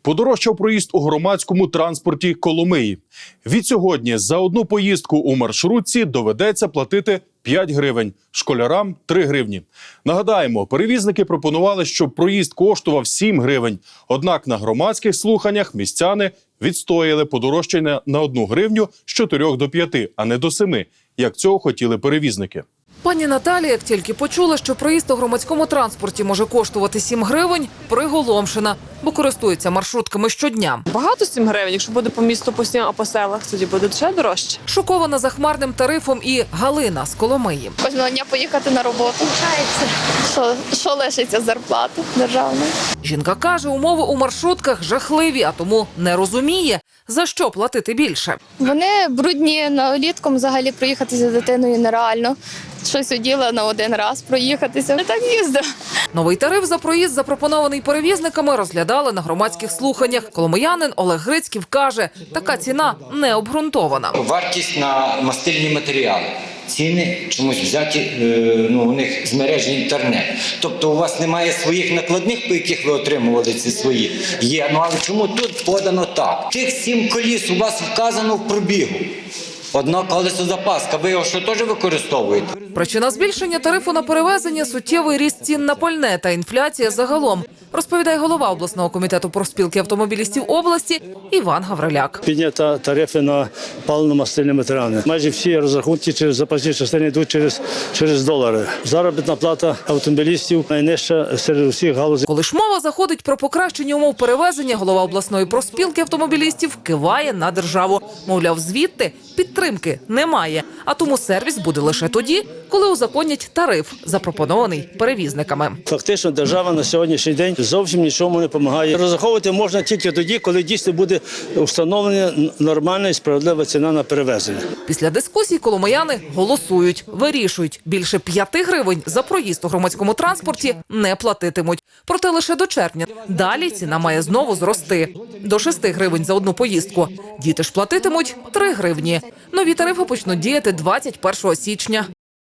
Подорожчав проїзд у громадському транспорті Коломиї. Відсьогодні за одну поїздку у маршрутці доведеться платити 5 гривень, школярам – 3 гривні. Нагадаємо, перевізники пропонували, щоб проїзд коштував 7 гривень. Однак на громадських слуханнях містяни відстояли подорожчання на 1 гривню з 4 до 5, а не до 7, як цього хотіли перевізники. Пані Наталія, як тільки почула, що проїзд у громадському транспорті може коштувати 7 гривень, приголомшена, бо користується маршрутками щодня. Багато 7 гривень, якщо буде по місту постійно, а по селах, тоді буде ще дорожче. Шокована захмарним тарифом і Галина з Коломиї. Кожного дня поїхати на роботу. Що лишиться з зарплати державної? Жінка каже, умови у маршрутках жахливі, а тому не розуміє, за що платити більше. Вони брудні, влітком взагалі проїхатися з дитиною нереально. Щось оділа на один раз проїхатися. Не так їздив. Новий тариф за проїзд, запропонований перевізниками, розглядали на громадських слуханнях. Коломиянин Олег Грицьків каже, така ціна не обґрунтована. Вартість на мастильні матеріали. Ціни чомусь взяті у них з мережі інтернет. Тобто у вас немає своїх накладних, по яких ви отримували ці свої. Є, але чому тут подано так? Тих 7 коліс у вас вказано в пробігу. Одна колесозапаска, ви його що теж використовуєте? Причина збільшення тарифу на перевезення – суттєвий ріст цін на пальне та інфляція загалом, розповідає голова обласного комітету профспілки автомобілістів області Іван Гавриляк. Підняті тарифи на паливно-мастильні матеріали. Майже всі розрахунки через запасні частини йдуть через долари. Заробітна плата автомобілістів найнижча серед усіх галузей. Коли ж мова заходить про покращення умов перевезення, голова обласної профспілки автомобілістів киває на державу. Мовляв, звідти підтримки немає, а тому сервіс буде лише тоді, коли узаконять тариф, запропонований перевізниками. Фактично держава на сьогоднішній день зовсім нічому не допомагає. Розраховувати можна тільки тоді, коли дійсно буде встановлена нормальна і справедлива ціна на перевезення. Після дискусій коломияни голосують, вирішують. Більше 5 гривень за проїзд у громадському транспорті не платитимуть. Проте лише до червня. Далі ціна має знову зрости. До 6 гривень за одну поїздку. Діти ж платитимуть 3 гривні. Нові тарифи почнуть діяти 21 січня.